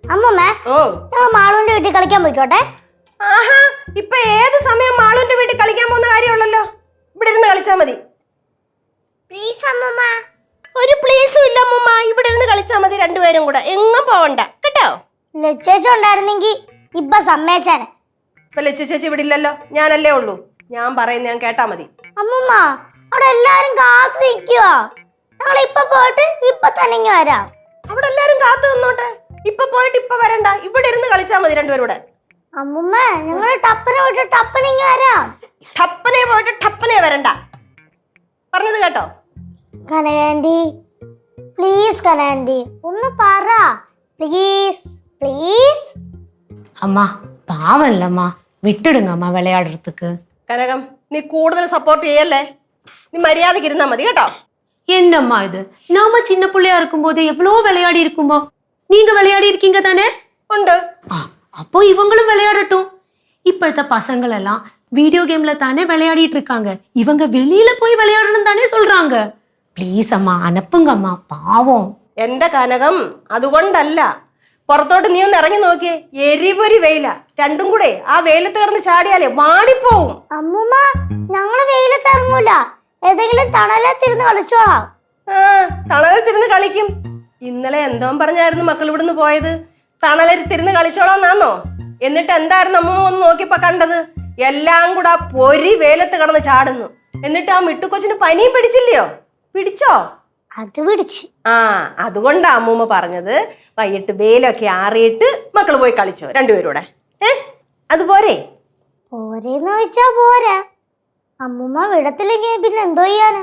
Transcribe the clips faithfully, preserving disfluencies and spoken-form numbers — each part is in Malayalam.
അമ്മമ്മ ഞങ്ങൾ മാളുവിന്റെ വീട്ടിൽ കളിക്കാൻ പോയിക്കോട്ടെ. ആഹാ, ഇപ്പൊ ഏത് സമയം മാളുവിന്റെ വീട്ടിൽ കളിക്കാൻ പോകുന്ന കാര്യമുള്ളല്ലോ. ഇവിടെ ഇരുന്ന് കളിച്ചാ മതി. പ്ലീസ് അമ്മമ്മ. ഒരു പ്ലീസും ഇല്ല അമ്മമ്മ, ഇവിടെ ഇരുന്ന് കളിച്ചാ മതി രണ്ടുപേരും കൂടെ, എങ്ങും പോവണ്ട കേട്ടോ. ലച്ചേച്ചി ഉണ്ടായിരുന്നെങ്കി ഇപ്പൊ സമ്മേച്ചാനെ. ഇപ്പൊ ലച്ചു ചേച്ചി ഇവിടെ ഇല്ലല്ലോ, ഞാനല്ലേ ഉള്ളൂ. ഞാൻ പറയുന്ന ഞാൻ കേട്ടാ മതി. അമ്മമ്മ അവിടെ എല്ലാരും കാത്തു നിൽക്കുവാ. ഞങ്ങൾ ഇപ്പൊ പോയിട്ട് ഇപ്പൊ തന്നെ ഇങ്ങ് വരാം. അവിടെ എല്ലാരും കാത്തു നിന്നോട്ടെ. ഇപ്പൊ പോയിട്ട് ഇപ്പൊ വരണ്ട, ഇവിടെ ഇരുന്ന് കളിച്ചാ മതി രണ്ടുപേരും കൂടെ. അമ്മമ്മ ഞങ്ങൾ ടപ്പനെ പോയിട്ട് ടപ്പനെ ഇങ്ങ് വരാം. ടപ്പനെ പോയിട്ട് ടപ്പനെ വരണ്ട, പറഞ്ഞത് കേട്ടോ. കനകാൻറ്റി പ്ലീസ്, കനകാൻറ്റി ഒന്ന് പറ പ്ലീസ് പ്ലീസ്. அம்மா பாவம் இல்லம்மா, விட்டுடுங்க அம்மா விளையாடுறதுக்கு. കനകം, നീ കൂടുതൽ സപ്പോർട്ട് ചെയ്യല്ലേ. നീ മര്യാദക്ക് ഇരുന്നാ മതി കേട്ടോ. என்னம்மா இது, நாம சின்ன பிள்ளையா இருக்கும்போது எவ்வளோ விளையாடி இருக்குமோ. நீங்க விளையாடி இருக்கீங்க தானே? ഉണ്ട്. அப்போ இவங்களும் விளையாடட்டும். இப்பழத்த பசங்கள் எல்லாம் வீடியோ கேம்ல தானே விளையாடிட்டு இருக்காங்க. இவங்க வெளியில போய் விளையாடணும் தானே சொல்றாங்க. ப்ளீஸ் அம்மா அனுப்புங்க அம்மா, பாவம். എന്റെ കനകം, അതുകൊണ്ടല്ല. പുറത്തോട്ട് നീ ഒന്ന് ഇറങ്ങി നോക്കിയേ, എരിപൊരി വെയില. രണ്ടും കൂടെ ആ വെയിലത്ത് കിടന്ന് ചാടിയാലേ വാടിപ്പോവും. അമ്മൂമ്മ ഞങ്ങള് വെയിലത്ത് ഇറങ്ങൂല, ഏതെങ്കിലും തണലത്തിരുന്ന് കളിച്ചോളാം. ആ, തണലത്തിരുന്ന് കളിക്കും. ഇന്നലെ എന്തോ പറഞ്ഞായിരുന്നു മക്കൾ ഇവിടുന്ന് പോയത്, തണലത്തിരുന്ന് കളിച്ചോളാന്നാന്നോ? എന്നിട്ട് എന്തായിരുന്നു അമ്മൂമ്മ ഒന്ന് നോക്കിയപ്പോ കണ്ടത്? എല്ലാം കൂടെ ആ പൊരി വെയിലത്ത് കിടന്ന് ചാടുന്നു. എന്നിട്ട് ആ മിട്ടുകൊച്ചിന് പനിയും പിടിച്ചില്ലയോ? പിടിച്ചോ? അത് പിടിച്ച്. ആ, അതുകൊണ്ടാ അമ്മൂമ്മ പറഞ്ഞത് വൈകിട്ട് വെയിലൊക്കെ ആറിയിട്ട് മക്കള് പോയി കളിച്ചോ രണ്ടുപേരൂടെ. ഏ അതുപോരെ? പോരേന്ന് ചോദിച്ചാ പോരാ. അമ്മൂമ്മ വിടത്തില്ലെങ്കിൽ പിന്നെ എന്തോ ചെയ്യാനാ?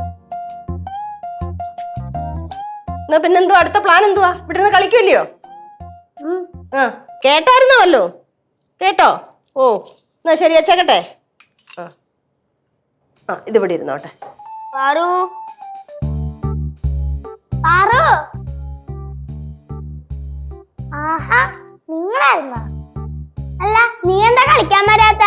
എന്നാ പിന്നെന്തോ അടുത്ത പ്ലാൻ എന്തുവാ? ഇവിടെ നിന്ന് കളിക്കുമല്ലയോ? ആ, കേട്ടായിരുന്നോ? കേട്ടോ? ഓ എന്നാ ശരി, വെച്ചേക്കട്ടെ. ആ ആ ഇതിവിടെ ഇരുന്നോട്ടെ. പാറു, പാറു. ആഹാ, നിങ്ങളായിരുന്നോ? അല്ല, നീ എന്താ കളിക്കാൻ വരാത്ത?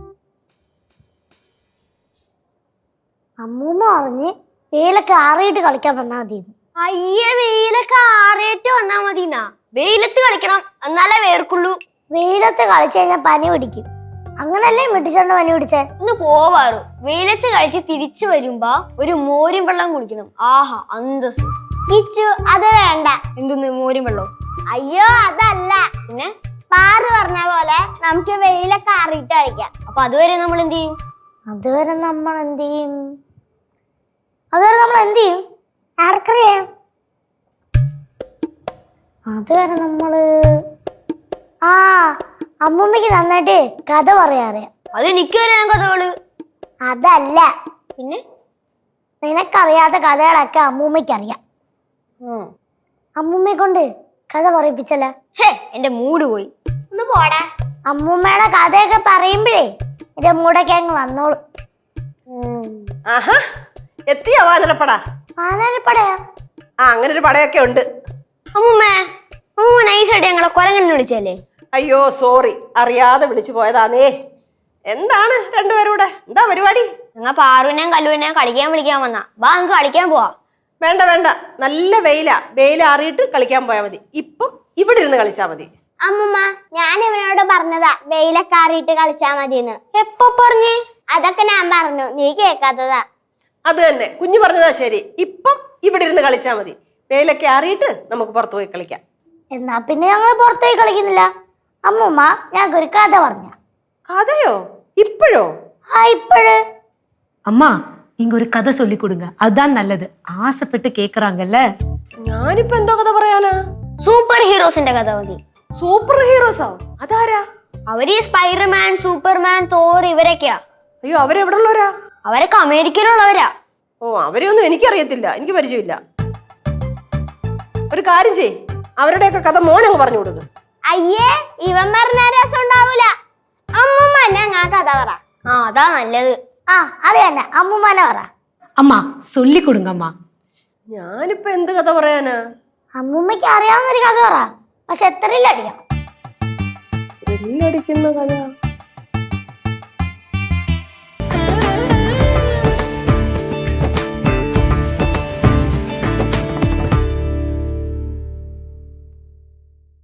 അമ്മൂമ്മ പറഞ്ഞ് വെയിലൊക്കെ ആറിയിട്ട് കളിക്കാൻ വന്നാ മതി. അയ്യേ, വെയിലൊക്കെ ആറിയിട്ട് വന്നാ മതിന്നാ? വെയിലത്ത് കളിക്കണം, എന്നാലേ വേർക്കുള്ളൂ. വെയിലത്ത് കളിച്ചു കഴിഞ്ഞാൽ പനി പിടിക്കും. അങ്ങനല്ലേ മിട്ടിച്ചോണ്ട് പനി പിടിച്ചേ? ഒന്ന് പോവാറു. വെയിലത്ത് കളിച്ച് തിരിച്ചു വരുമ്പോ ഒരു മോരും വെള്ളം കുടിക്കണം. ആഹാ, അന്തസ്. കിച്ചു, അത് വേണ്ട. എന്തൊന്ന് മോരും വെള്ളം? അയ്യോ അതല്ല, പിന്നെ പാറ് പറഞ്ഞ പോലെ നമുക്ക് വെയിലൊക്കെ ആറിയിട്ട് കളിക്കാം. അപ്പൊ അതുവരെ നമ്മൾ എന്ത് ചെയ്യും? അതുവരെ നമ്മൾ എന്ത് ചെയ്യും? അതുവരെ നമ്മൾ എന്ത് ചെയ്യും? ആർക്കറിയാം. അതുവരെ നമ്മള് ആ അമ്മൂമ്മക്ക് നന്നായിട്ട് കഥ പറയാറിയാം. അത് എനിക്ക് അറിയാൻ കഥകള്. അതല്ല, പിന്നെ നിനക്കറിയാത്ത കഥകളൊക്കെ അമ്മൂമ്മയ്ക്കറിയാം. അമ്മൂമ്മയെ കൊണ്ട് കഥ പറയിപ്പിച്ചല്ല. ഛേ, എന്റെ മൂഡ് പോയി. ഒന്ന് പോടാ. അമ്മൂമ്മയുടെ കഥയൊക്കെ പറയുമ്പോഴേ എന്റെ മൂടൊക്കെ അങ്ങ് വന്നോളൂ. ആഹാ, എത്തിയാ വാനരപ്പട? വാനരപ്പടയാ? ആ, അങ്ങനെ ഒരു പടയൊക്കെ ഉണ്ട്. അമ്മൂമ്മേ, അമ്മൂമ്മ നൈസായിട്ട് ഞങ്ങളെ കൊരങ്ങനെ വിളിച്ചല്ലേ? അയ്യോ സോറി, അറിയാതെ വിളിച്ചു പോയതാണേ. എന്താണ് രണ്ടുപേരൂടെ, എന്താ പരിപാടി? ഞങ്ങൾ പാറുവിനെയും കല്ലുവിനെയും കളിക്കാൻ വിളിക്കാൻ വന്നാ. വാ, നമുക്ക് കളിക്കാൻ പോവാ. വേണ്ട വേണ്ട, നല്ല വെയിലാ. വെയിൽ അറിയിട്ട് കളിക്കാൻ പോയാൽ മതി. ഇപ്പം ഇവിടെ ഇരുന്ന് കളിച്ചാ മതി. അമ്മൂമ്മ, ഞാൻ ഇവനോട് പറഞ്ഞതാ വെയിലൊക്കെ ആറിയിട്ട് കളിച്ചാ മതിന്ന്. എപ്പോ പറഞ്ഞേ? അതൊക്കെ ഞാൻ പറഞ്ഞു, നീ കേൾക്കാത്തതാ. അത് തന്നെ, കുഞ്ഞു പറഞ്ഞതാ ശരി. ഇപ്പം ഇവിടെ ഇരുന്ന് കളിച്ചാ മതി. വെയിലൊക്കെ അറിയിട്ട് നമുക്ക് പുറത്തു പോയി കളിക്കാം. എന്നാ പിന്നെ ഞങ്ങൾ പുറത്തു പോയി കളിക്കുന്നില്ല. അമ്മൂമ്മ ഞങ്ങൾക്കൊരു കഥ പറഞ്ഞ. കഥയോ? ഇപ്പോഴോ? ആ, ഇപ്പോഴ്. அம்மா நீங்க ஒரு கதை சொல்லி கொடுங்க, அதுதான் நல்லது. ஆசைப்பட்டு கேக்குறாங்கல்ல. ഞാനിപ്പോ എന്തോ കഥ പറയാനാ? സൂപ്പർ ഹീറോസിന്റെ കഥ മതി. സൂപ്പർ ഹീറോസോ? അതാരാ? അവര് സ്പൈഡർമാൻ, സൂപ്പർമാൻ, തോർ ഇവരൊക്കെയാ. അയ്യോ, അവരെവിടെ ഉള്ളവരാ? അവരൊക്കെ അമേരിക്കയിലുള്ളവരാ. ഓ, അവരെയൊന്നും എനിക്കറിയത്തില്ല, എനിക്ക് പരിചയമില്ല. ഒരു കാര്യം ചെയ്, അവരുടെയൊക്കെ കഥ മോനങ്ങ് പറഞ്ഞു കൊടുക്ക്. അയ്യേ, ഇവൻ പറഞ്ഞ രസം ഉണ്ടാവൂല. അമ്മൂമ്മ ഞങ്ങ കഥ പറ. ആ, അതാ നല്ലത്. ആ, അത് തന്നെ, അമ്മൂമ്മനെ പറ. அம்மா சொல்லி கொடுங்க அம்மா. ഞാനിപ്പോ എന്ത് കഥ പറയാനാ? അമ്മൂമ്മയ്ക്ക് അറിയാവുന്നൊരു കഥ പറ, പക്ഷെ എത്രയിലടിക്കണം. ത്രില്ലടിക്കുന്ന കഥ.